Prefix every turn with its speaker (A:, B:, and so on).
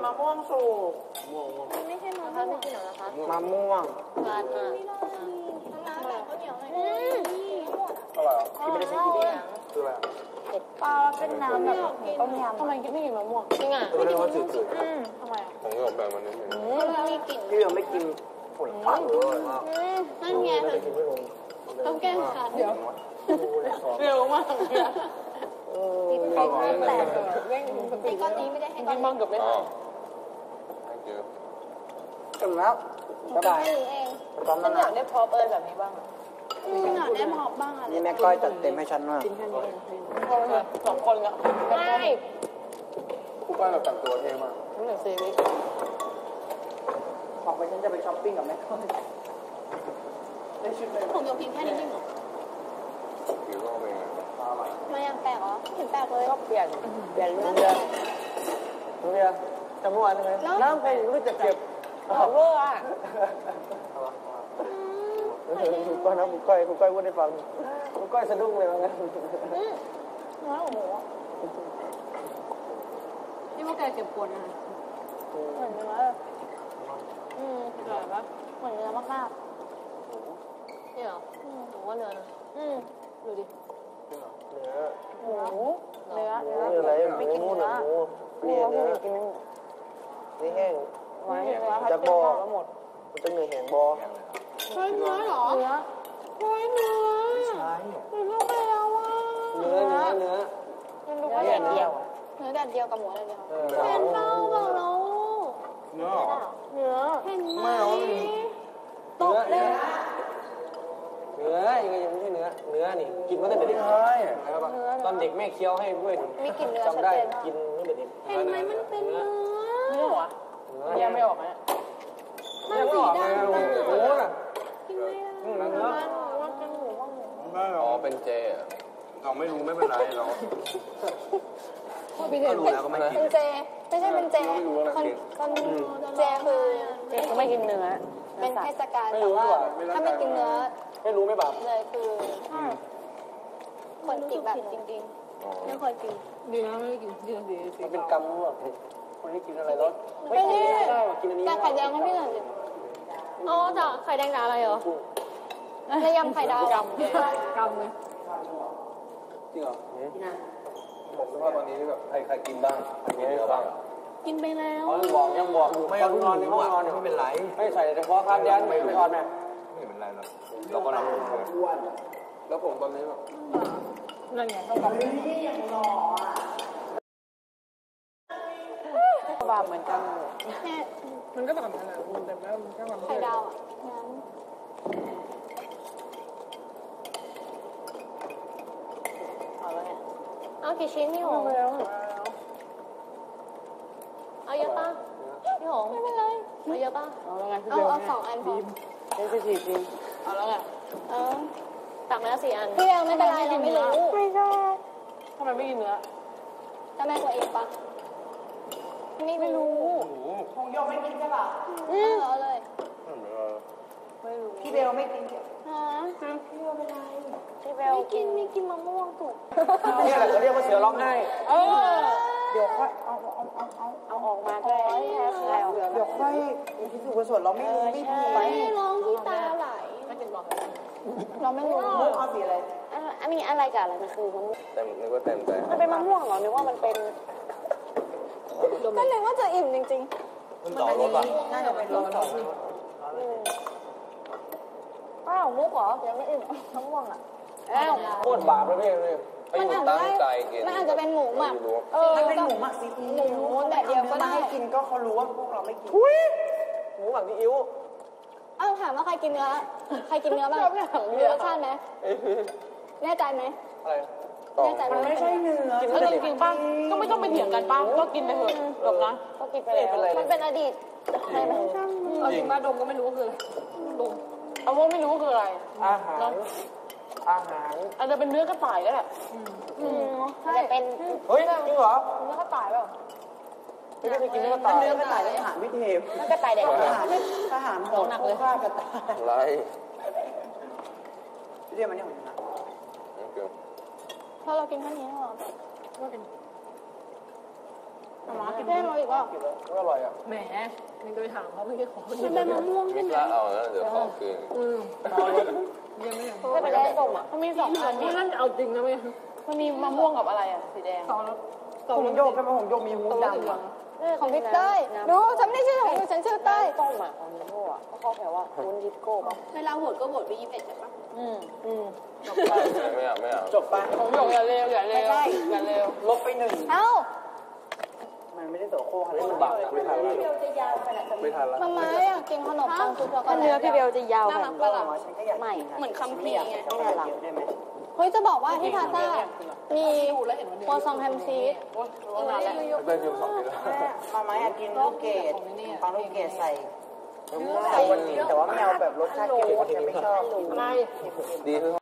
A: มะม่วงสุก
B: ไม่ใช่มะม่วงไม่กินหรอคะ
A: มะม่วง
B: ทานมาน้ำแบบข้าวเหนียวหน่อย
A: อะไรอ่ะกินไม่ได้ใช้กินคืออะไร
B: ปลาเป็นน้ำแบบต้มยำทำไมไม่กินมะม่วงจริงอ่ะ
A: ไม่กินมะม่วงจืด
B: ทำไม
C: ผมก็แบบมันนิดนึง
B: มีกลิ่น
A: พี่ยังไม่กินผลไม้เลยมาก
B: นั่นไงต้องแก้ขาดเดี๋ยวเร็วมากเลย
A: เข้ามา
B: แต่ก้อนนี้ไม่ได้ให้ก้อนมังกับไม่ได้
A: ถึงแล้วบ๊ายบาย
B: ฉันอยากได้พอเปิดแบบนี้บ้างอยากได้พอบ้าง
A: นี่แม่ก้อยจัดเต็มให้ฉันมาก
B: สองคนละไม่
C: ผู้ก้อยแบบแต่งตัวเท่มาก
B: นี่เหมือนซีรีส์
A: บอกไปฉันจะไปช้อปปิ้งกับแม่ก้อยได้ชุดเลย
B: ผมยกพิมพ์แค่นี้จริงเหรอ
C: ผิวก็เป็น
B: มายังแปลกเหรอเห็นแปลกเลย
A: ก็เปลี่ยนเรือจำเมื่อวานใช่ไหมน้ำเป็นรู้จักเก็บ
B: เวอร์อ่ะ
A: คุณก้อยนะคุณก้อยพูดให้ฟังคุณก้อยสะดุ้งเลยว่างั้น
B: น้อยกว่าหมูนี่ว่าแกเก็บปวดนะเหมือนเนื้ออร่อยปะเหมือนเนื้อมากๆนี่เหรอหนูว่าเนื้อนะดูดิหมูเนื้อ
A: อะไรไม่กินเนื้อนี่เนื้อนี่แห้งจะบอกหมดมันจะเนื้อแห้งบอ
B: เฮ้ยเนื้อเหรอเนื้อเฮ้ยเนื้อ
A: ไม่ใช่
B: มันเข้าไปแล้วอ่ะ
A: เนื้อ
B: มันดูว่าแดดเดียวเนื้อแดดเดียวกับหมูแดดเดียวเป็นเต้ากับเรา
C: เนื้อ
B: เห็นไหมตกเลย
A: ยังไม่ใช่เนื้อนี่กินมาตั้งแต่เด็กตอนเด็กแม่เคี้ยวให้ด้วย
B: มีกลิ่นเนื้อ
A: จำได้กินตั้งแต่เด็ก
B: เห็นไหมมันเป็นเนื้อ
A: ยังไม่ออกนะยังไม่ออกเลยโอ้โหน่ะ
B: กินไม่ได้เนื้อว่าเป็นหมูว่าหมู
C: อ๋อเป็นเจเราไม่รู้ไม่เป็นไรเรา
A: ก็รู้แล้วก็ไม่กิน
B: เป็นเจไม่ใช่เป็นเจคนเจคือเขาไม่กินเนื้อเป็นเทศกาลแต่ว่าถ้าไม่กินเนื้อ
A: ไม่รู้ไม่บาป
B: เลยคือคนกินแบบจริงๆไม่เคยกิน
A: ดีนะไม่กินดีมันเป็นกรรมแบบคนที่กินอะไรรส
B: ไม่กินได้กินอันนี้แต่ไข่แดงก็ไม่เหมือนกันอ๋อจ้ะไข่แดงกับอะไรเหรอในยำไข่ดาวกรรมเลย
A: จริงเหรอผมคิดว่าตอนนี้แบบใครกินบ้างใครกินเยอะบ้าง
B: กินไปแล้ว
A: ยังบอกไม่เอานอนในห้องนอนไม่เป็นไรไม่ใส่เฉพาะคาร์ดยันไม่อ่อนไหม
C: ไม่เป็นไรหรอกเราก็รับรู้แล้วผมตอนนี้แบบ
B: นั่นไงต้องการอย่างหล่อบาปเหมือนกัน
A: มันก็แบบนั้นแหละแต่แล้วมันก็แบบ
B: ไข่ดาวอ่ะงั้นเอาแล้วไงเอากี่ชิ้นพี่หงเอาเยอะป่ะพี่หงไม่เป็นไรเอาเยอะป่ะเอา2 อันพอ
A: เป็น4 ชิ้น
B: เอาแล้วไงตักมาแล้ว4 อันพี่ยังไม่เป็นไรเราไม่รู้
A: ไม่ใช่ทำไมไม่กินเนื้อ
B: จะแม่ตัวเองปะไม่รู้
A: คงยอมไม่กินใช่ป่ะ
B: เอาเลย
A: ไม่รู้พี่เบลไม่กินพี่เบลเป็นไร
B: พี่เบลไม่กินมะม่วงถูก
A: นี่แหละเขาเรียกว่าเสือร้องไห้เดี๋ยวค่อยเอา
B: ออกมาได้แล้ว
A: เดี๋ยวค่อยพิสูจน์กุศลเราไม่รู้
B: ไม่ร้องที่ตาไหลไม่กินบอกเราไม่รู้
A: มะม่วงเอาสีอะไร
B: มีอะไรกับอะไรมันคือมะม่วง
C: เต็มนึกว่าเต็มใจ
B: มันเป็นมะม่วงเหรอนึกว่ามันเป็นก็เลยว่าจะอิ่มจริง
C: ๆมันต่อรถป่ะ
A: น่าจะเป็นรถต่อ
B: อ้าวมุกเหรอยังไม่อิ่มมะม่วงอ่ะ
A: โคตรบาปเลยพี่เลย
C: มันตั้งใจกิน
B: มันอาจจะเป็นหมูหมัก
A: มันเป็นหมูหมักซีอิ๊ว
B: หมูแต่เดียวก็ได้
A: ให้กินก็เขารู้ว่าพวกเราไม่กินหมูหมักซีอิ๊ว
B: ถามว่าใครกินเนื้อบ้างรู้รสชาติไหมแน่ใจไหม
A: อะไร
B: แน่ใจไหม
A: ไม่ใช่เนื้อ
B: กินเรื่องจริงป่ะก็ไม่ต้องไปเถียงกันป่ะก็กินไปเถอะดมนะก็กินไปแล้วมันเป็นอดีตใช่ไหมจริงป่ะดมก็ไม่รู้ว่าคืออะไรดมเอาว่าไม่รู้ว่าคืออะไร
A: อาหาร
B: อาจจะเป็นเนื้อกระต่ายก็แหละจะเป็น
A: เฮ้ยจริงเหรอ
B: เนื้อกระต่ายเปล่า
A: ไม่ได้กินเนื้อกระต่ายทหารวิเทพ
B: เนื้อกระต่ายเด็ก
A: ทหารโหดหนักเลยฆ่ากระต่าย
C: อะไร
A: เรียกมันนี่ของนะ
B: ถ้าเรากินแค่นี้หรอมากินได้เราอีกว่า
A: ก็อร่อยอ่ะ
B: แหมนี่ไปถามเขาไม่ใช่ของมันเป็นมะม่วง
C: ไม่
B: ใช่ไหม
C: กล้าเอาแล้วเดี๋ยวของคืน
B: ยังไม่เป็นแดงส้มอ่ะมันมี2 อันนี่นั่นเอาจริงนะไม่มันมีมะม่วงกับอะไรอ่ะสีแดง
A: ผมโยกใช่ไหมผมโยกมีหูดำอ่ะ
B: ของพี่เต้ยดูฉันไม่ใช่ของฉันชื่อเต้ย
A: ต้มอ่ะของนิโก้อ่ะเขาแปลว่าวุ้นดิสโก้ป่ะ
B: เวลาโหวตก็โหวตไป21ใช่ปะจบไป
C: ไม่เอาไม่เอา
A: จบป่ะ
B: ผมหยกอย่าเร็วอย่าเร็วอย่าเร็ว
A: ลบไป1
B: เอ้า
A: มันไม่ได้โสโครกอะไรมันบังไม่ทันแล้วไม่ทันแล้ว
B: ทำไมอยากกินขนมปังซุปช็อกโกแลตเนื้อพี่เบลจะยาวแบบไม่เหมือนคัมภีร์ไงไม่น่ารักเฮ้ยจะบอกว่าที่พาซ่ามีโคซองแฮมชีส
C: เดินอยู่2 ปีแล้ว
A: มาม่าอยากกินลูกเกดปังลูกเกดใส่วันนี้แต่ว่าไม่เอาแบบรสชาติเค็มแต่ไม่ชอบ
B: อะไร
C: ดีขึ้น